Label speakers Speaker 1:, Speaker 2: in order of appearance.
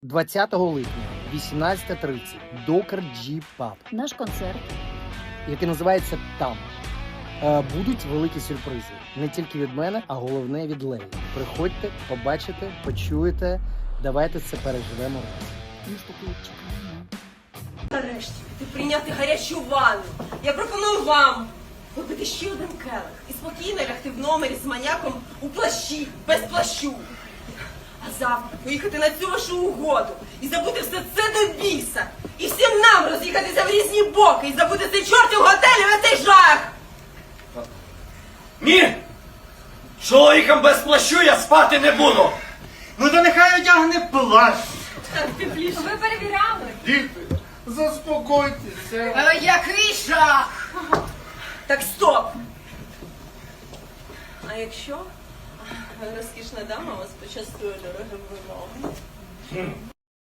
Speaker 1: 20 липня, 18:30, Докер G Pub,
Speaker 2: Наш концерт.
Speaker 1: який називається «Там». Будуть великі сюрпризи. Не тільки від мене, а головне від Леї. Приходьте, побачите, почуєте. Давайте це переживемо разом.
Speaker 2: Ми з тобою чекаємо.
Speaker 3: Нарешті ти прийняти гарячу ванну. Я пропоную вам випити ще один келих і спокійно лягти в номері з маньяком у плащі, без плащу. А завтра поїхати на цю вашу угоду і забути все це до біса. І всім нам роз'їхатися в різні боки і забути цей чортів готель і цей жах.
Speaker 4: Ні! Чоловіком без плащу я спати не буду!
Speaker 5: Ну то нехай одягне плащ.
Speaker 3: Так, тепліше.
Speaker 6: Ви перевіряли?
Speaker 5: Діти, заспокойтеся.
Speaker 3: Який жах! Так, стоп! А якщо розкішна дама вас почастує дорогим вином?